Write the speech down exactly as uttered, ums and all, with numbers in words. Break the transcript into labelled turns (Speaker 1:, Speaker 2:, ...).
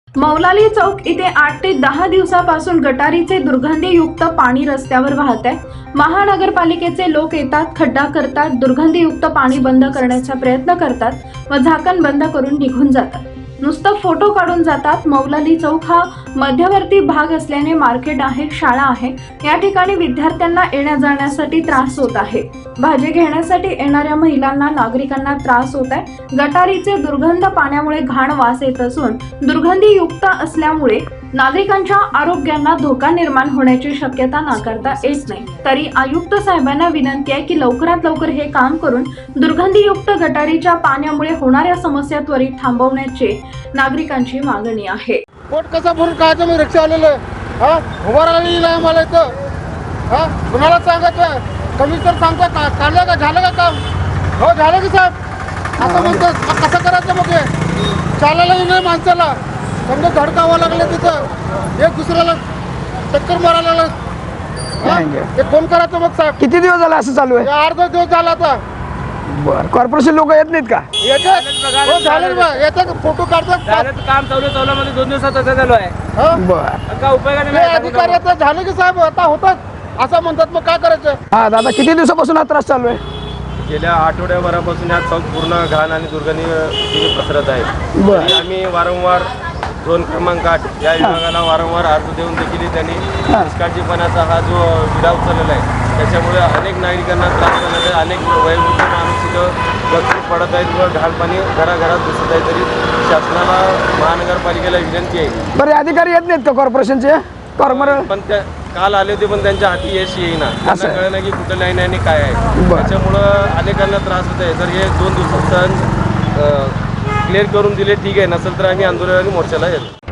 Speaker 1: मौलाली चौक इथे आठ ते दहा दिवसापासून गटारीचे दुर्गंधीयुक्त पाणी रस्त्यावर वाहत आहे। महानगरपालिकेचे लोक येतात, खड्डा करतात, दुर्गंधीयुक्त पाणी बंद करण्याचा प्रयत्न करतात व झाकण बंद करून निघून जातात। नुसतं फोटो काढून जातात। मौलाली चौक हा मध्यवर्ती भाग असल्याने मार्केट आहे, शाळा आहे। या ठिकाणी विद्यार्थ्यांना येण्या जाण्यासाठी त्रास होत आहे। भाजी घेण्यासाठी येणाऱ्या महिलांना, नागरिकांना त्रास होत आहे। गटारीचे दुर्गंध पाण्यामुळे घाण वास येत असून दुर्गंधीयुक्त असल्यामुळे नागरिकांच्या आरोग्यांना धोका निर्माण होण्याची शक्यता नाकारता येत नाही। तरी आयुक्त साहेबांना विनंती आहे की लवकरात लवकर हे काम करून दुर्गंधीयुक्त गटारीच्या पाण्यामुळे होणाऱ्या समस्या त्वरित थांबवण्याची नागरिकांची मागणी आहे।
Speaker 2: पोट कसा भरून खायचं मी रिक्षा आलेलं हा उभा राहिलेलं आहे मला इथं हा कुणाला सांगायचं कमी तर सांगतो का काढलं का झालं का काम हो झालं की साहेब असं म्हणतो कसं करायचं मग हे चालायला नाही माणसाला समजा धडकावं लागलं तिथं एक दुसऱ्याला चक्कर मारायला लागलं ते कोण करायचं मग साहेब
Speaker 3: किती दिवस झाला असं चालू आहे?
Speaker 2: अर्धा दिवस झाला आता
Speaker 3: बर कॉर्पोरेशन लोक येत नाहीत का?
Speaker 2: येतात हो झालं बा येतात फोटो काढतात
Speaker 4: काम चालू चालू मध्ये दोन दिवसात असं चालू आहे
Speaker 3: बर
Speaker 4: का उपयोगाने
Speaker 2: ते अधिकारी आता झालं की साहेब आता होतात असं म्हणतात मग काय करायचं?
Speaker 3: हा दादा किती दिवसापासून हा त्रास चालू आहे?
Speaker 5: गेल्या आठवड्याभरापासून हा चौक पूर्ण घाण आणि दुर्गंधी पसरत आहे।
Speaker 3: बर.
Speaker 5: तरी आम्ही वारंवार दोन क्रमांक आठ या विभागाला वारंवार अर्ज देऊन देखील त्यांनी
Speaker 3: हा.
Speaker 5: निष्काळजीपणाचा हा जो विडा उचललेला आहे त्याच्यामुळे अनेक नागरिकांना त्रास झालेला आहे। अनेक वयोवृद्ध माणूस इथं गचून पडत आहेत व घाण पाणी घराघरात दिसत आहे। तरी शासनाला महानगरपालिकेला विनंती आहे
Speaker 3: बरे अधिकारी येत नाहीत का कॉर्पोरेशनचे? कॉर्पोरेट
Speaker 5: पण त्या काल आले होते पण त्यांच्या हाती यश येईना
Speaker 3: असं
Speaker 5: त्यांना
Speaker 3: आहे.
Speaker 5: कळलं की कुठं लाईन आहे आणि काय आहे
Speaker 3: बरं.
Speaker 5: त्याच्यामुळं अनेकांना त्रास होत आहे। जर हे दोन दिवसात क्लिअर करून दिले ठीक आहे, नसेल तर आम्ही आंदोलनाने मोर्चाला येतो।